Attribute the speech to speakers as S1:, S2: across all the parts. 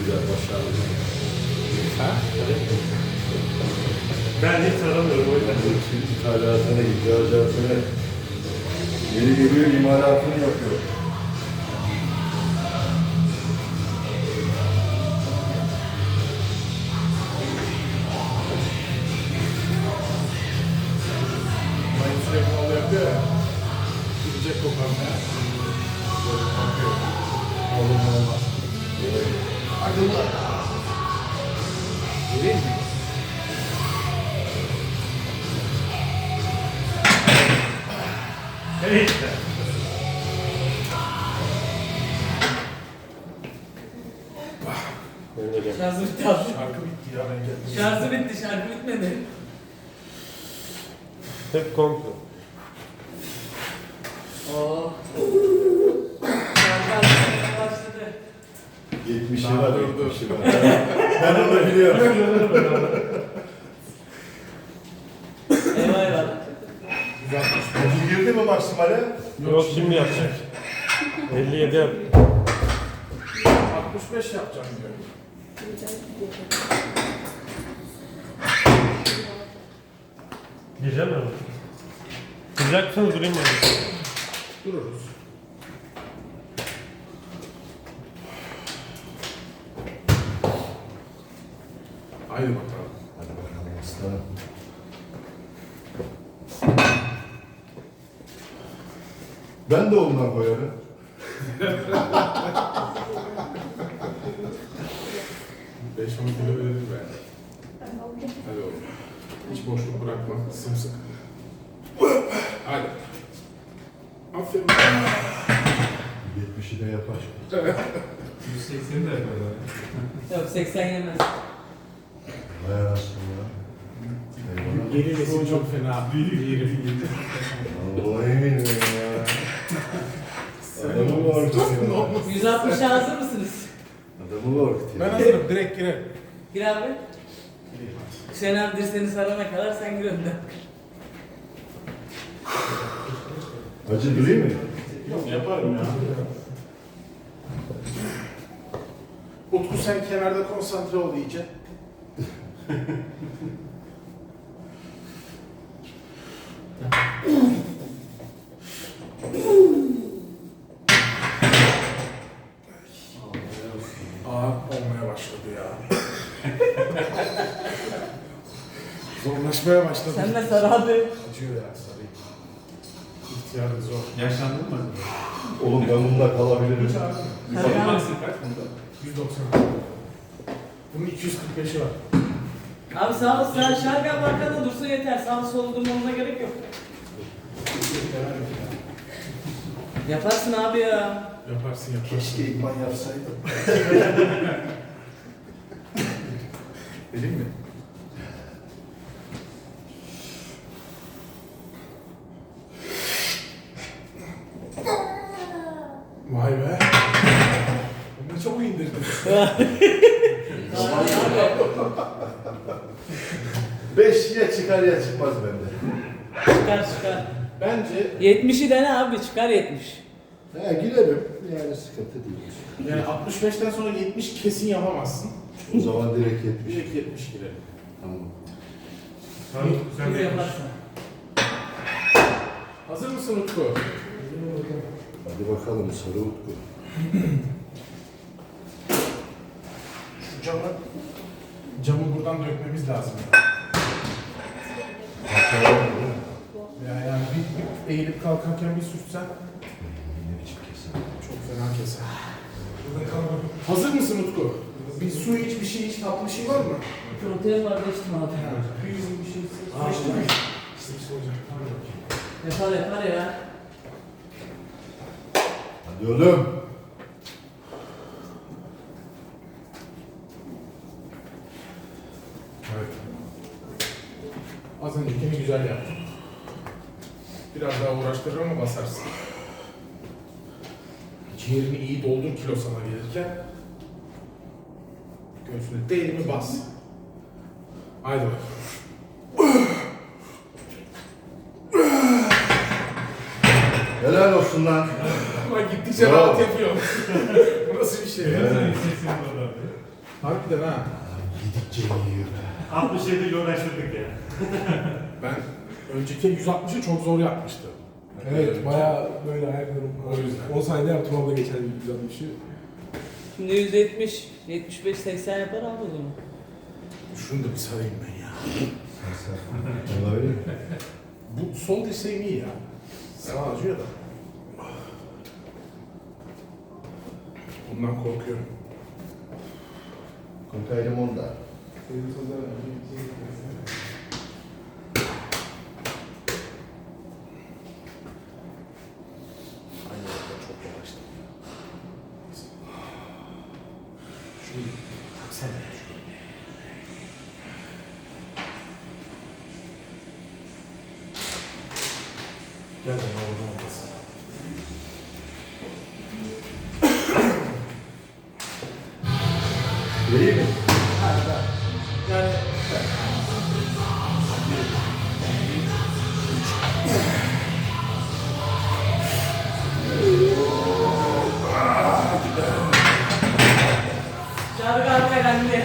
S1: güzel başarılı.
S2: Ha? Ben hiç aramıyorum o yüzden.
S1: İthalatına, ihracatına yeri geliyor, imalatını yapıyor.
S2: Mayın sürekli onu yapıyor ya. Gidecek koparmaya. Böyle bakıyor. Olur mu olmaz. Akıllı. Geleyim mi? Evet işte.
S3: Şarjı bitti abi.
S2: Şarkı bitti ya ben geldim.
S3: Şarjı bitti, şarkı bitmedi.
S4: Hep kontrol.
S3: Oo. Şarkı artık başladı.
S1: 70'i var,
S2: Dur,
S1: 70'i var. Ben onu biliyorum.
S3: Eyvah eyvah.
S1: Acı girdi mi maksimale?
S4: Yok şimdi yapacak. 57 yap.
S2: 65 yapacağım diyor.
S4: Gireceğim mi? Gireceksen durayım mı?
S2: Dururuz. Haydi bakalım.
S1: Hadi bakalım aslanım. Ben de ondan koyarım.
S2: Beş on kilo verir be. Hadi oğlum. Hiç boşluk bırakma. Sımsıkı. Hadi. Aferin.
S1: 70'i de yapar.
S2: 180 de yapar.
S3: Yok 80 yemez.
S1: Vay anasını ya. Eyvallah.
S2: Yeni nesil çok fena. Yerim.
S1: Vallahi eminim ya. Adamı korkutuyor.
S3: 160'a hazır mısınız?
S1: Adamı korkutuyor.
S2: Ben hazırım. Direkt girelim.
S3: Gir abi. Hüseyin abi dirseğini sarana kadar sen gir önden.
S1: Acı durayım mı?
S2: Yok yaparım ya. Utku sen kenarda konsantre ol iyice. Ağır olmaya başladı ya. Zorlaşmaya başladı.
S3: Sen de sar abi.
S2: Acıyor ya sarayım. İhtiyarı zor.
S5: Yaşlandın mı?
S1: Oğlum ben bununla kalabilirim.
S3: Sarı abi.
S5: Kaç bunda?
S2: 190. Bunun 245'i var.
S3: Abi sağ ol, sağ şarkı abi arkada dursun yeter. Sağ solu durmamıza gerek yok. Yaparsın abi ya.
S2: Yaparsın yaparsın.
S1: Keşke idman yapsaydım.
S2: Vereyim mi? Vay be. Bunu çok indirdin.
S3: Abi, abi.
S1: 5 ya çıkar ya çıkmaz bende.
S3: Çıkar çıkar.
S2: Bence
S3: 70'i dene abi çıkar 70.
S1: Ha girerim. Yani sıkıntı değil.
S2: yani 65'ten sonra 70 kesin yapamazsın.
S1: O zaman direkt 70.
S2: Direkt 70 girelim.
S1: Tamam.
S5: Tamam, sen
S3: Bunu
S5: de
S3: yaparsın.
S2: Hazır mısın Utku?
S1: Hadi bakalım sarı utku.
S2: Şu camı buradan dökmemiz lazım.
S1: Hatırlar mı?
S2: Yani bir eğilip kalkarken bir sürtsen
S1: Ne biçim kesin.
S2: çok fena keser. Hazır mısın Utku? Bir su iç, bir şey iç, tatlı bir şey var mı?
S3: Protein var geçtim abi.
S2: Bir şey
S3: Aa,
S2: İşte hocam.
S3: Yapar yapar ya.
S1: Hadi oğlum.
S2: Evet. Az öncekini güzel yaptın. Biraz daha uğraştırır ama basarsın. Ciğerini iyi doldur kilo sana gelirken. Göğsüne değil mi bas. Haydi bak.
S1: Helal olsun lan.
S2: Ama gittikçe
S1: Bravo.
S2: rahat yapıyor. Bu nasıl bir şey ya?
S1: Evet.
S2: Harbiden ha.
S1: Yedikçe yiyor.
S5: 67 ile uğraştırdık ya.
S2: Ben önceki 160'ı çok zor yapmıştım.
S6: Evet, bayağı böyle ayaklarım.
S2: O yüzden.
S6: 10 saniyede yaptım abla geçen gün 160'ı.
S3: Şimdi 170, 75, 80 yapar abi o zaman.
S2: Şunu da bir sarayım ben ya.
S1: Olabilir mi?
S2: Bu sol dirseğim iyi ya. Sağ acıyor da. Bundan korkuyorum.
S1: Konkaydım onda.
S2: Aynı yerde çok yavaştım. Şunu taksana. Gel de orada olmasın.
S1: Vereyim mi?
S2: Yani
S3: Çağrı abi herhalde.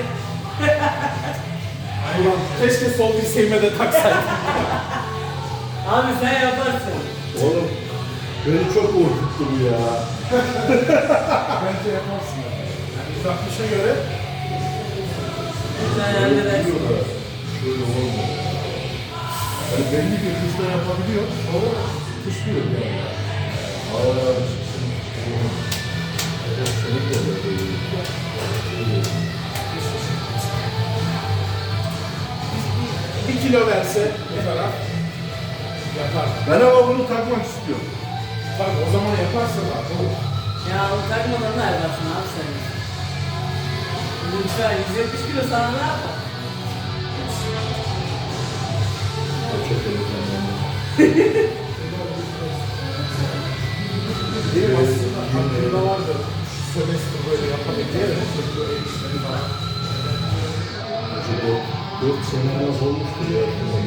S2: ulan keşke sol dirseğime de taksaydım.
S3: Abi sen yaparsın.
S1: Oğlum beni çok korkuttu bu ya.
S2: Bence yaparsın ya. Yani 160'a göre
S3: Sen halledersin.
S1: Biliyorlar. Şöyle olmuyor. Yani belli bir hızla yapabiliyor ama kuşluyor yani. Aa, evet, senin de öyle.
S2: bir kilo verse bu taraf yapar.
S1: Ben ama bunu takmak istiyorum.
S2: Tabii o zaman yaparsın abi. Olur.
S3: Ya o takmadan da yaparsın abi sen. Lütfen 170 kilo sana ne yapar?
S1: O çok önemli.
S2: Benim aslında aklımda vardı. Şu sömestr böyle yapabildiği de bu el işleri falan.
S1: Hoca 4 sene az olmuştur ya.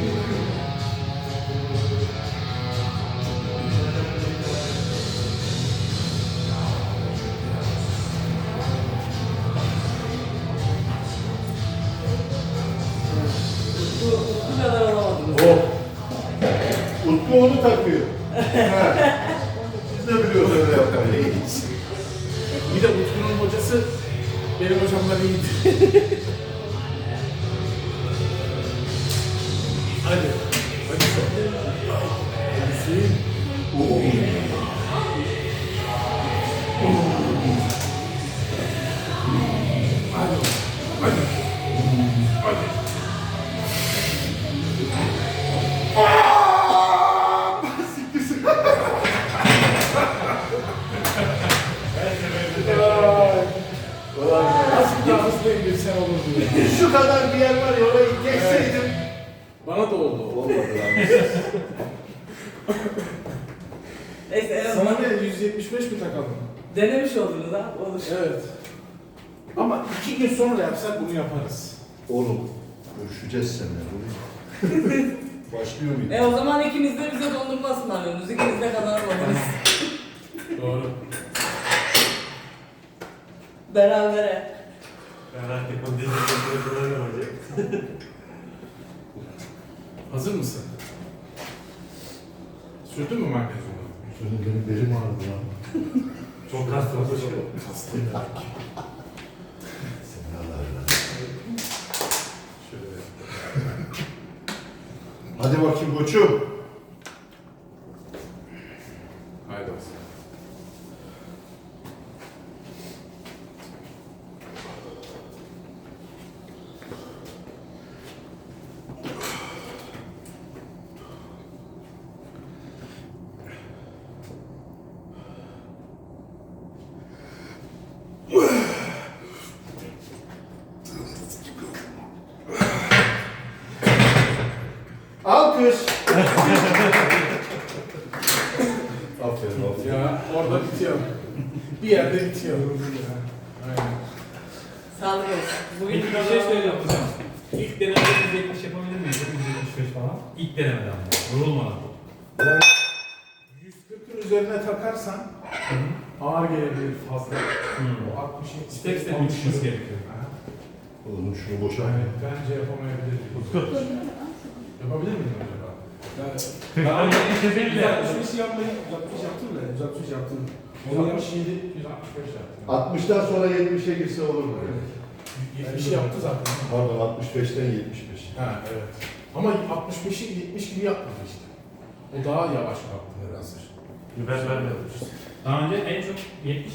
S3: Bu kadar olamadınız.
S1: Oh! Utku onu takıyor. Ha. Biz de biliyoruz öyle yapmayı.
S2: Bir de Utku'nun hocası benim hocamdan iyiydi. Hadi. Hadi sen. Hadi.
S1: Oo.
S2: Hadi. Hadi. Hadi. Nasıl daha hızlı indirsen olurdu ya.
S1: Şu kadar bir yer var ya orayı geçseydim.
S2: Bana da oldu.
S1: Olmadı lan.
S3: Neyse en
S2: Sana
S3: azından
S2: ne 175 mi takalım?
S3: denemiş oldunuz ha. Olur.
S2: Evet. Ama 2 gün sonra yapsak bunu yaparız.
S1: Oğlum görüşeceğiz seninle. Başlıyor muydu?
S3: O zaman ikiniz de bize dondurma ısmarlıyorsunuz. İkiniz de kazanamadınız.
S2: Doğru.
S3: Berabere.
S5: Ben artık o dizide kullanıyorum hocam.
S2: Hazır mısın? Sürdün mü magnezyumu?
S1: Senin benim belim ağrıdı lan.
S5: Çok kastım hocam.
S2: Hastayım belki.
S1: Seni ağrıdı.
S2: Şöyle.
S1: Hadi bakayım koçum.
S2: Haydi olsun.
S1: Alkış. Aferin aferin.
S2: Ya orada bitiyor. Bir yerde bitiyor. Aynen.
S3: Sağlık olsun. Bugün
S7: Peki bir şey söyleyeceğim hocam. İlk denemede 170 yapabilir miyiz? 175 falan. İlk denemeden ama. Yorulmadan.
S2: Yani 140'ın üzerine takarsan ağır gelebilir fazla. O 60'ın
S7: Step step mi çıkması gerekiyor?
S2: Aha.
S1: Oğlum şunu boşa.
S2: Yani bence yapamayabiliriz. Yapabilir miyim acaba?
S6: Yani
S7: Daha önce bir şey değil de.
S6: 165 yapmayı 165 yaptın da 165 yaptın. Onu yap.
S2: 167, 165 yaptım.
S1: 60'tan sonra 70'e girse olur mu?
S2: 70'i yaptı zaten.
S1: Pardon 65'ten 75.
S2: Ha evet. Ama 65'i 70 gibi yapmadı işte. O daha yavaş kalktı nedense.
S4: Ben vermedim.
S7: Daha önce en çok 70